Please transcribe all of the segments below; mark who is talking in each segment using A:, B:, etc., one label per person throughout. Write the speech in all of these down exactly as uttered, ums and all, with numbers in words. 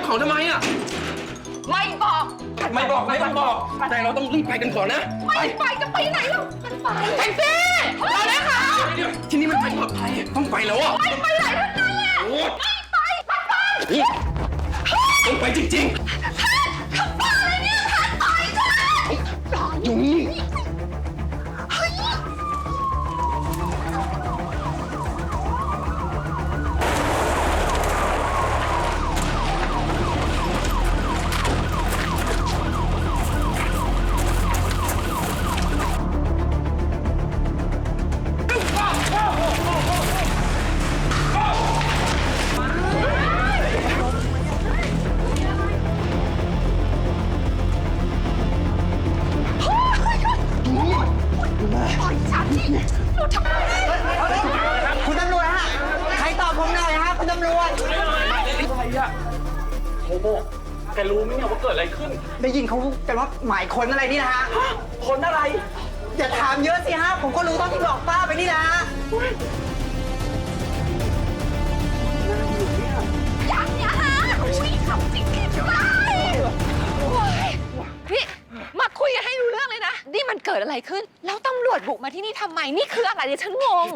A: ของทำไมอ่ะ
B: ไม่บอก
A: ไม่บอกไม่ต้องบอกแต่เราต้องรีบไปกันก่อนนะ
B: ไม่ไปจะไปไหนล่ะมันไปแท็กซี่รอเลยค่ะ
A: ที่นี่มันไม่ปลอดภัยต้องไปแล้วอ่ะ
B: ไม่ไปไหนทั้งนั้นแหละไม่ไปไม่ไป
A: ต้องไปจริง
B: ๆขับบ้าอะไรเนี่ยท่านไปจ้ะ
A: อยู่นี่
C: คุณตำรวจฮะใครตอบผมหน่อยฮะคุณตำรวจ
A: อะไรอะโฮโมแกรู้ไหมเนี่ยว่าเกิดอะไรขึ้น
C: ได้ยินเขากันว่าหมายค้นอะไรนี่นะฮะ
A: คนอะไร
C: อย่าถามเยอะสิฮะผมก็รู้ตอนที่บอกป้าไปนี่นะฮะ
B: ยังอย่าหาอุ้ยขับจริงแค่ไหนพี่มาคุยกันให้รู้เรื่องเลยนะนี่มันเกิดอะไรขึ้นแล้วตำรวจบุกมาที่นี่ทำไมนี่คืออะไรเนี่ยฉันงง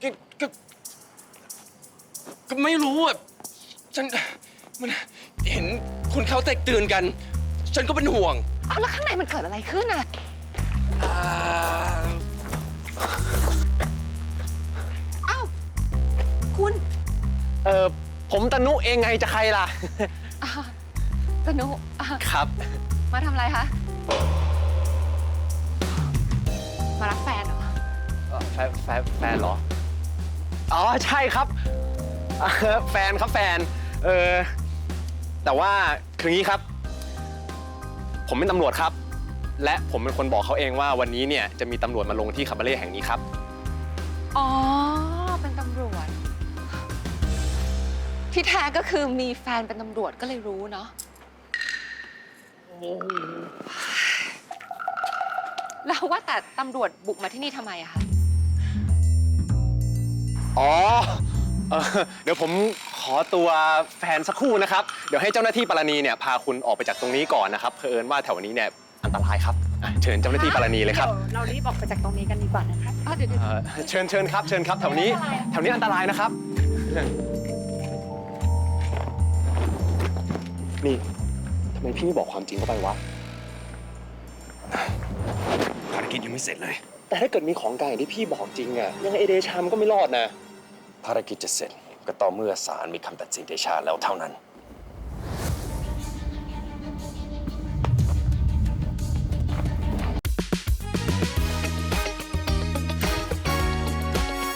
A: ก็ไม่รู้อ่ะฉันมันเห็นคนเขาแตกตื่นกันฉันก็เป็นห่วง
B: เอาแล้วข้างในมันเกิดอะไรขึ้นอ่ะอ้าวคุณ
D: เออผมตนุเองไงจะใครล่ะ
B: ตนุ
D: ครับ
B: มาทำอะไรคะมารับแฟนเหรอ
D: แฟนแฟนแฟนเหรออ๋อใช่ครับแฟนครับแฟนเออแต่ว่าคืองี้ครับผมเป็นตำรวจครับและผมเป็นคนบอกเขาเองว่าวันนี้เนี่ยจะมีตำรวจมาลงที่คาบาเร่แห่งนี้ครับ
B: อ๋อเป็นตำรวจที่แท้ก็คือมีแฟนเป็นตำรวจก็เลยรู้เนาะแล้วว่าแต่ตำรวจบุกมาที่นี่ทำไมอะคะ
D: อ๋อเออเดี๋ยวผมขอตัวแฟนสักครู่นะครับเดี๋ยวให้เจ้าหน้าที่ปารณีเนี่ยพาคุณออกไปจากตรงนี้ก่อนนะครับเผอิญว่าแถวนี้เนี่ยอันตรายครับเชิญเจ้าหน้าที่ปารณีเลยครับ
B: เรารีบออกไปจากตรงนี้กันดีกว่านะคะเดี๋ยว
D: เชิญเชิญครับเชิญครับแถวนี้แถวนี้อันตรายนะครับนี่ทำไมพี่ไม่บอกความจริงเข้าไปวะ
A: ภารกิจยังไม่เสร็จเลย
D: แต่ถ้าเกิดมีของกลางอย่างที่พี่บอกจริงอะยังไงเอเดชามก็ไม่รอดนะ
A: ภารกิจจะเสร็จก็ต่อเมื่อศาลมีคำตัดสินเดชาแล้วเท่านั้น